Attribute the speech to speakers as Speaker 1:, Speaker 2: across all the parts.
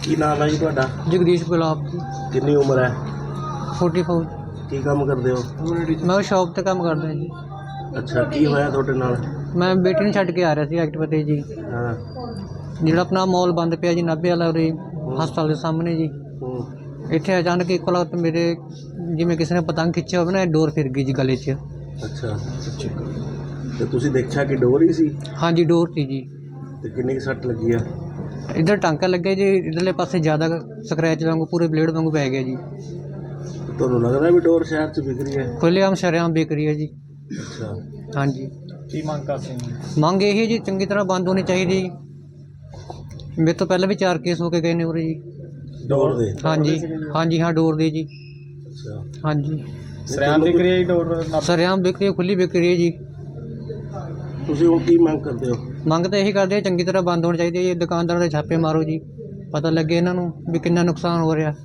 Speaker 1: ਕੀ ਨਾਮ ਹੈ ਜੀ ਤੁਹਾਡਾ?
Speaker 2: जगदीश गुलाब जी।
Speaker 1: ਕਿੰਨੀ ਉਮਰ ਹੈ?
Speaker 2: 44।
Speaker 1: ਕੀ ਕੰਮ ਕਰਦੇ ਹੋ?
Speaker 2: मैं शॉप ਤੇ ਕੰਮ ਕਰਦਾ ਜੀ।
Speaker 1: ਅੱਛਾ, ਕੀ ਹੋਇਆ ਤੁਹਾਡੇ ਨਾਲ?
Speaker 2: ਮੈਂ ਬੇਟੀ ਨੂੰ ਛੱਡ ਕੇ ਆ ਰਿਹਾ ਸੀ ਐਕਟਿਵਾ ਤੇ ਜੀ।
Speaker 1: ਹਾਂ।
Speaker 2: ਜਿਹੜਾ ਆਪਣਾ ਮਾਲ ਬੰਦ ਪਿਆ ਜੀ ਨਾਭੇ ਵਾਲਾ ਉਰੇ ਹਸਪਤਾਲ ਦੇ ਸਾਹਮਣੇ ਜੀ। ਇੱਥੇ ਅਚਾਨਕ ਇੱਕੋ ਲਗਤ ਮੇਰੇ ਜਿਵੇਂ ਕਿਸੇ ਨੇ ਪਤੰਗ ਖਿੱਚਿਆ ਹੋਵੇ ਨਾ, ਡੋਰ ਫਿਰ ਗਈ ਜੀ ਗਲੇ 'ਚ।
Speaker 1: ਅੱਛਾ, ਤੇ ਤੁਸੀਂ ਦੇਖਿਆ ਕਿ ਡੋਰ ਹੀ ਸੀ?
Speaker 2: ਹਾਂਜੀ ਡੋਰ ਸੀ ਜੀ।
Speaker 1: ਤੇ ਕਿੰਨੀ ਕੁ ਸੱਟ ਲੱਗੀ ਆ?
Speaker 2: ਇੱਧਰ ਟਾਂਕਾ ਲੱਗਿਆ ਜੀ, ਇੱਧਰਲੇ ਪਾਸੇ ਜ਼ਿਆਦਾ ਸਕਰੈਚ ਵਾਂਗੂ ਪੂਰੇ ਬਲੇਡ ਵਾਂਗੂ ਪੈ ਗਿਆ ਜੀ।
Speaker 1: ਤੁਹਾਨੂੰ ਲੱਗਦਾ ਵੀ ਡੋਰ ਸ਼ਹਿਰ 'ਚ ਵਿਕ ਰਹੀ ਹੈ?
Speaker 2: ਖੁੱਲ੍ਹੇਆਮ ਸ਼ਰੇਆਮ ਵਿਕ ਰਹੀ ਹੈ ਜੀ।
Speaker 1: ਅੱਛਾ,
Speaker 2: ਹਾਂਜੀ।
Speaker 1: ਕੀ ਮੰਗ ਕਰਦੇ ਹੋ?
Speaker 2: ਮੰਗ ਇਹ ਹੈ ਜੀ ਚੰਗੀ ਤਰ੍ਹਾਂ ਬੰਦ ਹੋਣੀ ਚਾਹੀਦੀ। ਮੇਰੇ ਤੋਂ ਪਹਿਲਾਂ ਵੀ 4 ਕੇਸ ਹੋ ਕੇ ਗਏ ਨੇ ਉਰੇ ਜੀ।
Speaker 1: ਡੋਰ ਦੇ?
Speaker 2: ਹਾਂਜੀ ਹਾਂਜੀ, ਹਾਂ ਡੋਰ ਦੇ ਜੀ।
Speaker 1: ਅੱਛਾ,
Speaker 2: ਹਾਂਜੀ
Speaker 1: ਸ਼ਰੇਆਮ ਵਿਕ ਰਹੀ ਹੈ ਡੋਰ?
Speaker 2: ਸ਼ਰੇਆਮ ਵਿਕ ਰਹੀ ਹੈ, ਖੁੱਲ੍ਹੀ ਵਿਕ ਰਹੀ ਹੈ ਜੀ।
Speaker 1: ਤੁਸੀਂ ਹੁਣ ਕੀ ਮੰਗ ਕਰਦੇ ਹੋ?
Speaker 2: ਮੰਗ ਤਾਂ ਇਹੀ ਕਰਦੇ ਆ ਚੰਗੀ ਤਰ੍ਹਾਂ ਬੰਦ ਹੋਣੀ ਚਾਹੀਦੀ ਹੈ ਜੀ। ਦੁਕਾਨਦਾਰਾਂ ਦੇ ਛਾਪੇ ਮਾਰੋ ਜੀ, ਪਤਾ ਲੱਗੇ ਇਹਨਾਂ ਨੂੰ ਵੀ ਕਿੰਨਾ ਨੁਕਸਾਨ ਹੋ ਰਿਹਾ।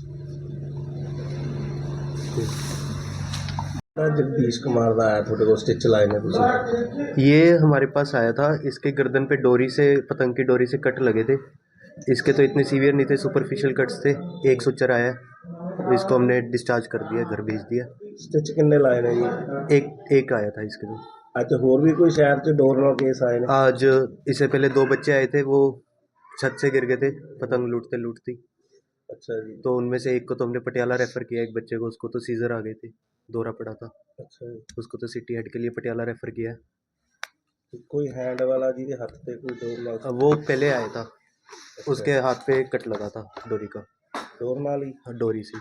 Speaker 1: जगदीश कुमार का आया थोड़े को स्टिच लाए ने तुझे?
Speaker 3: ये हमारे पास आया था, इसके गर्दन पे डोरी से, पतंग की डोरी से कट लगे थे। इसके तो इतने सीवियर नहीं थे, सुपरफिशियल कट्स थे। एक सुचर आया, इसको हमने डिस्चार्ज कर दिया, घर भेज दिया।
Speaker 1: स्टिच किन्ने लाए ने जी?
Speaker 3: एक आया था इसके तो।
Speaker 1: अच्छा, होर भी कोई शहर से डोर नाल केस आए ने?
Speaker 3: आज इससे पहले 2 बच्चे आए थे, वो छत से गिर गए थे पतंग लूटते लूटती।
Speaker 1: अच्छा जी।
Speaker 3: तो उनमें से एक को तो हमने पटियाला रेफ़र किया, एक बच्चे को, उसको तो सीजर आ गए थे, दौरा पड़ा था।
Speaker 1: अच्छा जी।
Speaker 3: उसको तो सिटी हेड के लिए पटियाला रेफ़र किया है।
Speaker 1: कोई हैंड वाला जी के हाथ पे कोई डोर नाल?
Speaker 3: वो पहले आया था, उसके हाथ पे कट लगा था डोरी का।
Speaker 1: डोर नाल ही?
Speaker 3: डोरी से।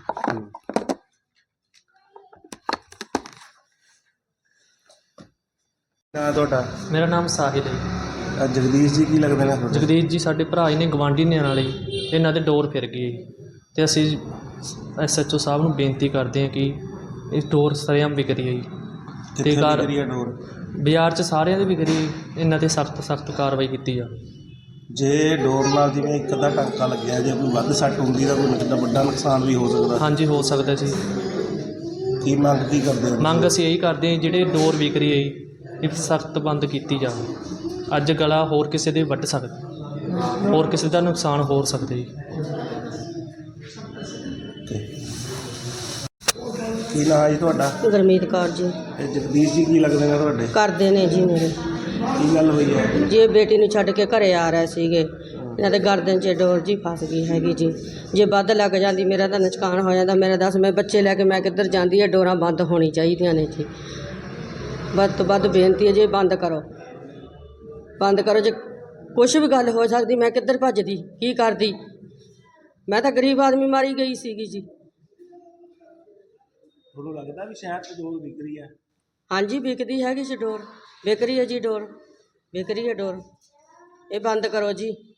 Speaker 1: ना ਤੁਹਾਡਾ?
Speaker 4: ਮੇਰਾ ਨਾਮ ਸਾਹਿਲ ਹੈ।
Speaker 1: ਜਗਦੀਸ਼ ਜੀ ਕੀ ਲੱਗਦੇ ਨੇ ਤੁਹਾਡੇ?
Speaker 4: ਜਗਦੀਸ਼ ਜੀ ਸਾਡੇ ਭਰਾ ਹੀ ਨੇ, ਗਵਾਂਢੀ ਨੇ ਨਾਲੇ। ਇਹਨਾਂ ਦੇ ਡੋਰ ਫਿਰ ਗਈ ਅਤੇ ਅਸੀਂ SHO ਸਾਹਿਬ ਨੂੰ ਬੇਨਤੀ ਕਰਦੇ ਹਾਂ ਕਿ ਇਹ ਡੋਰ ਸਰੇਆਮ ਵਿਕ ਰਹੀ ਹੈ ਜੀ।
Speaker 1: ਕਿੱਥੇ ਵਿਕ ਰਹੀ ਹੈ ਡੋਰ?
Speaker 4: ਬਾਜ਼ਾਰ 'ਚ ਸਾਰਿਆਂ ਦੀ ਵਿਕ ਰਹੀ, ਇਹਨਾਂ 'ਤੇ ਸਖਤ ਕਾਰਵਾਈ ਕੀਤੀ ਜਾ।
Speaker 1: ਜੇ ਡੋਰ ਨਾਲ ਜਿਵੇਂ ਇੱਕ ਅੱਧਾ ਟਾਂਕਾ ਲੱਗਿਆ, ਜੇ ਕੋਈ ਵੱਧ ਸੱਟ ਹੁੰਦੀ ਤਾਂ ਕੋਈ ਵੱਡਾ ਨੁਕਸਾਨ ਵੀ ਹੋ ਸਕਦਾ।
Speaker 4: ਹਾਂਜੀ ਹੋ ਸਕਦਾ ਜੀ।
Speaker 1: ਕੀ ਮੰਗ ਕੀ ਕਰਦੇ ਹੋ?
Speaker 4: ਮੰਗ ਅਸੀਂ ਇਹੀ ਕਰਦੇ ਹਾਂ ਜਿਹੜੇ ਡੋਰ ਵਿਕ ਰਹੀ ਹੈ ਜੀ, ਇਹ ਸਖਤ ਬੰਦ ਕੀਤੀ ਜਾਵੇ। ਅੱਜ ਗਲਾ ਹੋਰ ਕਿਸੇ ਦੇ ਵੱਢ ਸਕਦਾ, ਹੋਰ ਕਿਸੇ ਦਾ ਨੁਕਸਾਨ ਹੋ ਸਕਦਾ ਜੀ।
Speaker 1: ਕੀ ਨਾਂ ਹੈ ਜੀ ਤੁਹਾਡਾ?
Speaker 5: ਗੁਰਮੀਤ ਕੌਰ ਜੀ।
Speaker 1: ਇਹ ਜਗਦੀਸ਼ ਜੀ ਕੀ ਲੱਗਦੇ ਨੇ ਤੁਹਾਡੇ?
Speaker 5: ਕਰਦੇ ਨੇ ਜੀ ਮੇਰੇ।
Speaker 1: ਕੀ ਗੱਲ ਹੋਈ ਹੈ?
Speaker 5: ਜੇ ਬੇਟੀ ਨੂੰ ਛੱਡ ਕੇ ਘਰੇ ਆ ਰਹੇ ਸੀਗੇ, ਇਹਨਾਂ ਦੇ ਗਰਦਨ 'ਚ ਡੋਰ ਜੀ ਫਸ ਗਈ ਹੈਗੀ ਜੀ। ਜੇ ਵੱਧ ਲੱਗ ਜਾਂਦੀ ਮੇਰਾ ਤਾਂ ਨੁਕਸਾਨ ਹੋ ਜਾਂਦਾ। ਮੇਰਾ ਦੱਸ, ਮੈਂ ਬੱਚੇ ਲੈ ਕੇ ਮੈਂ ਕਿੱਧਰ ਜਾਂਦੀ ਹੈ? ਡੋਰਾਂ ਬੰਦ ਹੋਣੀ ਚਾਹੀਦੀਆਂ ਨੇ ਜੀ। ਵੱਧ ਤੋਂ ਵੱਧ ਬੇਨਤੀ ਹੈ ਜੀ, ਬੰਦ ਕਰੋ, ਬੰਦ ਕਰੋ। ਜੇ ਕੁਛ ਵੀ ਗੱਲ ਹੋ ਸਕਦੀ, ਮੈਂ ਕਿੱਧਰ ਭੱਜਦੀ, ਕੀ ਕਰਦੀ? ਮੈਂ ਤਾਂ ਗਰੀਬ ਆਦਮੀ ਮਾਰੀ ਗਈ ਸੀਗੀ ਜੀ।
Speaker 1: ਤੁਹਾਨੂੰ ਲੱਗਦਾ ਵੀ ਸ਼ਹਿਰ 'ਚ ਡੋਰ ਵਿਕ ਰਹੀ ਹੈ?
Speaker 5: ਹਾਂਜੀ ਵਿਕਦੀ ਹੈਗੀ ਜੀ ਡੋਰ, ਵਿਕ ਰਹੀ ਹੈ ਜੀ ਡੋਰ, ਵਿਕ ਰਹੀ ਹੈ ਡੋਰ। ਇਹ ਬੰਦ ਕਰੋ ਜੀ।